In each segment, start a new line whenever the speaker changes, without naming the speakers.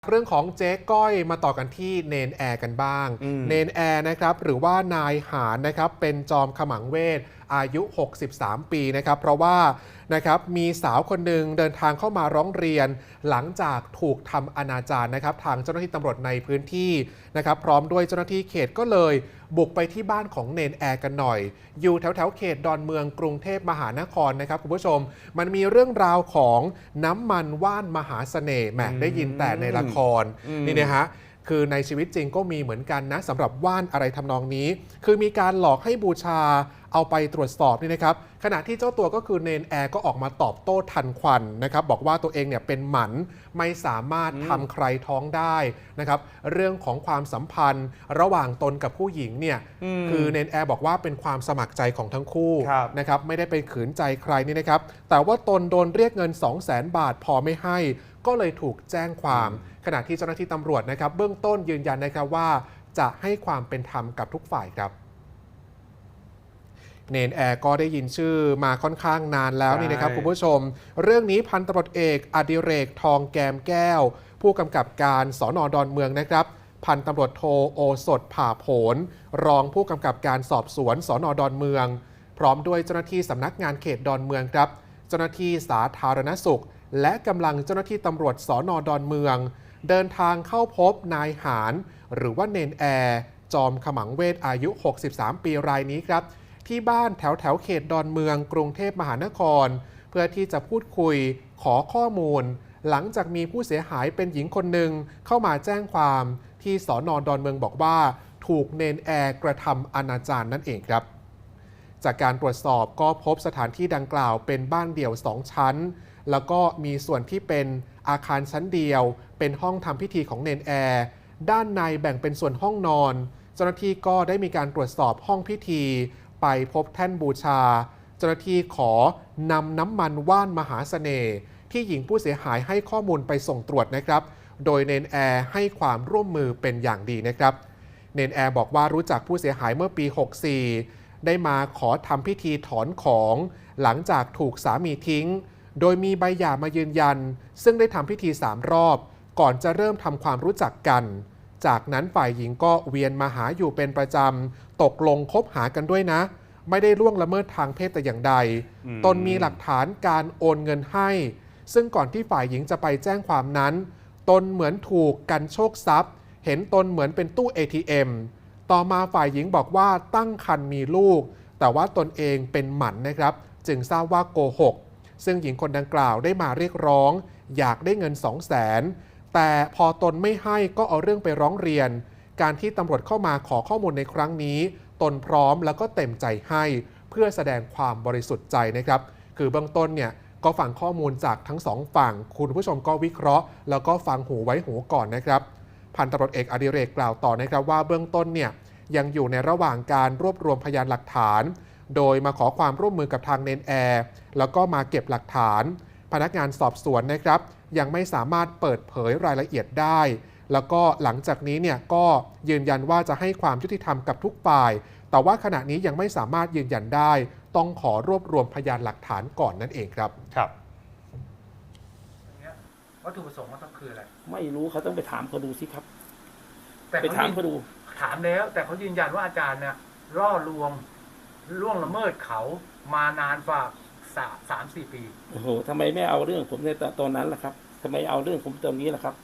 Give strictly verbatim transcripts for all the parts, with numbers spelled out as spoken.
เรื่องของเจ๊ก้อยมาต่อกันที่เนนแอร์กันบ้างเนนแอร์นะครับหรือว่านายหารนะครับเป็นจอมขมังเวทอายุหกสิบสามปีนะครับเพราะว่านะครับมีสาวคนหนึ่งเดินทางเข้ามาร้องเรียนหลังจากถูกทำอนาจารนะครับทางเจ้าหน้าที่ตำรวจในพื้นที่นะครับพร้อมด้วยเจ้าหน้าที่เขตก็เลยบุกไปที่บ้านของเนนแอร์กันหน่อยอยู่แถวแถวเขตดอนเมืองกรุงเทพมหานครนะครับคุณผู้ชมมันมีเรื่องราวของน้ำมันว่านมหาเสน่ห์แหมได้ยินแต่ในละครนี่นะฮะคือในชีวิตจริงก็มีเหมือนกันนะสำหรับว่านอะไรทำนองนี้คือมีการหลอกให้บูชาเอาไปตรวจสอบนี่นะครับขณะที่เจ้าตัวก็คือเนนแอร์ก็ออกมาตอบโต้ทันควันนะครับบอกว่าตัวเองเนี่ยเป็นหมันไม่สามารถทำใครท้องได้นะครับเรื่องของความสัมพันธ์ระหว่างตนกับผู้หญิงเนี่ยคือเนนแอร์บอกว่าเป็นความสมัครใจของทั้งคู่นะครับไม่ได้ไปขืนใจใครนี่นะครับแต่ว่าตนโดนเรียกเงิน สองแสน บาทพอไม่ให้ก็เลยถูกแจ้งความขณะที่เจ้าหน้าที่ตำรวจนะครับเบื้องต้นยืนยันนะครับว่าจะให้ความเป็นธรรมกับทุกฝ่ายครับเนนแอร์ก็ได้ยินชื่อมาค่อนข้างนานแล้วนี่นะครับคุณผู้ชมเรื่องนี้พันตำรวจเอกอดิเรกทองแกมแก้วผู้กำกับการสน.ดอนเมืองนะครับพันตำรวจโทโอสถผ่าโผลรองผู้กำกับการสอบสวนสน.ดอนเมืองพร้อมด้วยเจ้าหน้าที่สำนักงานเขตดอนเมืองครับเจ้าหน้าที่สาธารณสุขและกำลังเจ้าหน้าที่ตำรวจสน.ดอนเมืองเดินทางเข้าพบนายหารหรือว่าเนนแอร์จอมขมังเวทอายุหกสิบสามปีรายนี้ครับที่บ้านแถวแถวเขตดอนเมืองกรุงเทพมหานครเพื่อที่จะพูดคุยขอข้อมูลหลังจากมีผู้เสียหายเป็นหญิงคนหนึ่งเข้ามาแจ้งความที่สน.ดอนเมืองบอกว่าถูกเนนแอร์กระทำอนาจารนั่นเองครับจากการตรวจสอบก็พบสถานที่ดังกล่าวเป็นบ้านเดี่ยวสองชั้นแล้วก็มีส่วนที่เป็นอาคารชั้นเดียวเป็นห้องทำพิธีของเนนแอร์ด้านในแบ่งเป็นส่วนห้องนอนเจ้าหน้าที่ก็ได้มีการตรวจสอบห้องพิธีไปพบแท่นบูชาเจ้าหน้าที่ขอนำน้ำมันว่านมหาเสน่ห์ที่หญิงผู้เสียหายให้ข้อมูลไปส่งตรวจนะครับโดยเนนแอร์ให้ความร่วมมือเป็นอย่างดีนะครับเนนแอร์บอกว่ารู้จักผู้เสียหายเมื่อปีหกสิบสี่ได้มาขอทำพิธีถอนของหลังจากถูกสามีทิ้งโดยมีใบหย่ามายืนยันซึ่งได้ทำพิธีสามรอบก่อนจะเริ่มทำความรู้จักกันจากนั้นฝ่ายหญิงก็เวียนมาหาอยู่เป็นประจำตกลงคบหากันด้วยนะไม่ได้ล่วงละเมิดทางเพศแต่อย่างใดตนมีหลักฐานการโอนเงินให้ซึ่งก่อนที่ฝ่ายหญิงจะไปแจ้งความนั้นตนเหมือนถูกกันโชคทรัพย์เห็นตนเหมือนเป็นตู้ เอ ที เอ็ม ต่อมาฝ่ายหญิงบอกว่าตั้งครรภ์มีลูกแต่ว่าตนเองเป็นหมันนะครับจึงทราบว่าโกหกซึ่งหญิงคนดังกล่าวได้มาเรียกร้องอยากได้เงิน สองแสน แต่พอตนไม่ให้ก็เอาเรื่องไปร้องเรียนการที่ตำรวจเข้ามาขอข้อมูลในครั้งนี้ตนพร้อมแล้วก็เต็มใจให้เพื่อแสดงความบริสุทธิ์ใจนะครับคือเบื้องต้นเนี่ยก็ฟังข้อมูลจากทั้งสองฝั่งคุณผู้ชมก็วิเคราะห์แล้วก็ฟังหูไว้หูก่อนนะครับพันตำรวจเอกอดิเรกกล่าวต่อนะครับว่าเบื้องต้นเนี่ยยังอยู่ในระหว่างการรวบรวมพยานหลักฐานโดยมาขอความร่วมมือกับทางเนนแอร์แล้วก็มาเก็บหลักฐานพนักงานสอบสวนนะครับยังไม่สามารถเปิดเผยรายละเอียดได้แล้วก็หลังจากนี้เนี่ยก็ยืนยันว่าจะให้ความยุติธรรมกับทุกฝ่ายแต่ว่าขณะนี้ยังไม่สามารถยืนยันได้ต้องขอรวบรวมพยานหลักฐานก่อนนั่นเองครับ
ครับวัตถุประสงค์มันต้องคืออะไร
ไม่รู้เขาต้องไปถามเขาดูสิครับ
แต่
ไปถามเขาดู
ถามแล้วแต่เขายืนยันว่าอาจารย์เนี่ยล่อลวงล่วงละเมิดเขามานานกว่าสามสามสี่ปี
โอ้โหทำไมไม่เอาเรื่องผมในตอนนั้นล่ะครับทำไมเอาเรื่องผมตอนนี้ล่ะครับ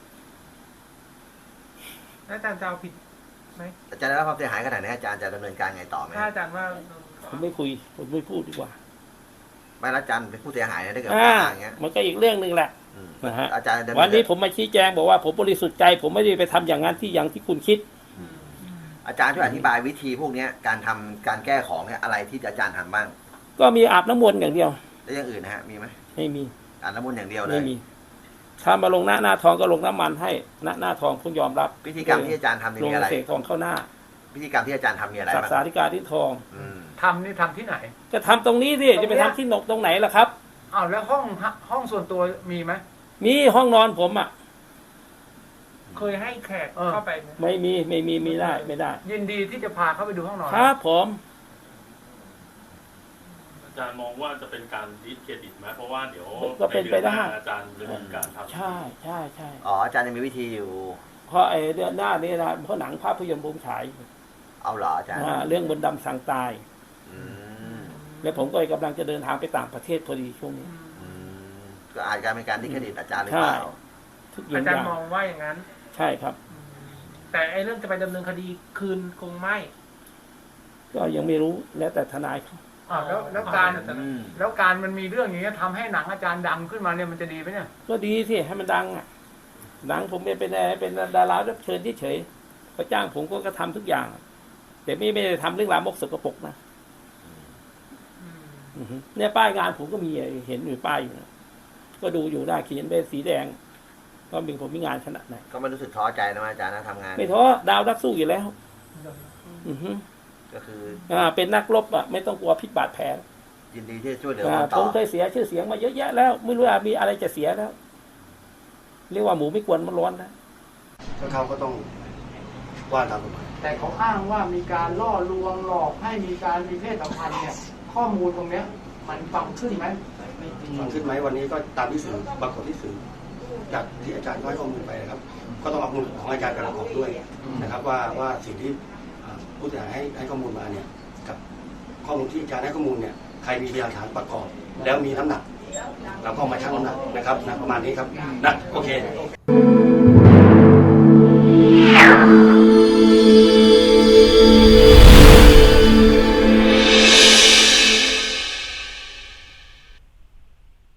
อาจารย์จะเอาผิดไหม
อาจารย์ได้รับความเสียหายขนาดนี้อาจารย์จะดำเนินการไงต่อไหม
ถ้าอาจารย์ว่า
ผมไม่คุยผมไม่พูดดีกว่า
ไม่ละอาจารย์เป็นผู้เสียหายนะถ้าเกิดอย่างเงี้ย
มันก็อีกเรื่องหนึ่งแหละนะฮะ
อาจารย์
วันนี้ผมมาชี้แจงบอกว่าผมบริสุทธิ์ใจผมไม่ได้ไปทำอย่างนั้นที่อย่างที่คุณคิด
อาจารย์ช่วยอธิบายวิธีพวกนี้การทำการแก้ของเนี่ยอะไรที่อาจารย์ทำบ้าง
ก็มีอาบน้ำมนต์อย่างเดียว
แล้วอย่างอื่นนะฮะมีไหม
ไม่มี
อาบน้ำมนต์อย่างเดียวเลย
ไม่มีถ้ามาลงหน้าหน้าทองก็ลงน้ำมันให้หน้าหน้าทองคุณยอมรับ
พิธีกรรมที่อาจารย์ทำนี่อะไร
ลงเสกทองเข้าหน้า
พิธีกรรมที่อาจารย์ทำนี่อะไร
บ้างสักสาธิการที่ทอง
ทำนี่ทำที่ไหน
จะทำตรงนี้สิจะไปทำที่นกตรงไหนล่ะครับ
อ้าวแล้วห้องห้องส่วนตัวมีไหม
มีห้องนอนผมอ่ะ
เคยให้แขกเข้าไป
ไม่มีไม่มีไม่ได้ไม่ได้
ยินดีที่จะพาเข้าไปดูห้องนอน
ครับผม
จารย์มองว่าจะเป็นการดิสเครดิตไหมเพราะว่าเดี๋ยว
ก็เป็นไปได้
ใดือหาอาจารย์ดำเนินการทำ
ใช่ใช่ใช่
อ๋ออาจารย์ยังมีวิธีอยู่
เพราะไอ้เดือนหน้านี้นะเพราะหนังภาพยนตร์บูมฉาย
เอาเหรออาจารย์
อ่าเรื่องบนต์ดำสั่งตาย
อืม
แล้วผมก็กำลังจะเดินทางไปต่างประเทศพอดีช่วงนี้
อืมก็อาจจะเป็นการดิสเครดิตอาจารย์หรือ
ใช่
เปล่า
ทุกอ
อา
ย่าง
จารย์มองว่าอย่างนั้น
ใช่ครับ
แต่ไอ้เรื่องจะไปดำเนินคดีคืนคงไม่
ก็ยังไม่รู้แล้วแต่ทนายเขา
อ่าวแล้วแล้วการ
อืม
แล้วการมันมีเรื่องอย่างนี้ยทำให้หนังอาจารย์ดังขึ้นมาเนี่ยมันจะดีไหมเนี่ย
ก็ดีสิให้มันดังอ่ะหนังผมเป็นเป็นเป็นดารารับเชิญเฉยๆเขาจ้างผมก็กระทำทุกอย่าง แต่ไม่ไม่ได้ทำเรื่องรามกสกปรกนะอือฮึเนี่ยป้ายงานผมก็มีเห็นอยู่ป้ายอยู่นะก็ดูอยู่หน้าเขียนเป็นสีแดงก็มีผมมีงานขนาดไหน
ก็ไม่รู้สึกท้อใจนะอาจารย์นะทำงาน
ไม่ท้อดาวนักสู้อยู่แล้ว อือฮึ
ก็คือ
อ่าเป็นนักรบอ่ะไม่ต้องกลัวพิษบาดแผล
ยินดีที่จะช่วยเหลือ
อ่า
คน
ผ
ต่อ
มเคยเสียชื่อเสียงมาเยอะแยะแล้วไม่รู้ว่ามีอะไรจะเสียแล้ว เรียกว่าหมูไม่กวนมันร้อนนะ
ก็เขาก็ต้องว่าตามกฎหมาย
แต่เขาอ้างว่ามีการล่อลวงหลอกให้มีการมีเพศสัมพันธ์เนี่ยข้อมูลตรงเนี้ยมันฟังขึ้นไหม
ฟังขึ้นไหมวันนี้ก็ตามที่สื่อปรากฏที่สื่อจากที่อาจารย์ก็ให้ข้อมูลไปนะครับ ก็ต้องเอาข้อมูลของอาจารย์ไปประกอบด้วยนะครับ ว่าว่าสิ่งที่อ่าผู้เสียหายให้ให้ข้อมูลมาเนี่ยกับข้อมูลที่อาจารย์ให้ข้อมูลเนี่ยใครมีพยานฐานประกอบ แล้วมีน้ำหนักเราก็มาชั่งน้ำหนักนะครับนะประมาณนี้ครับนะโอเค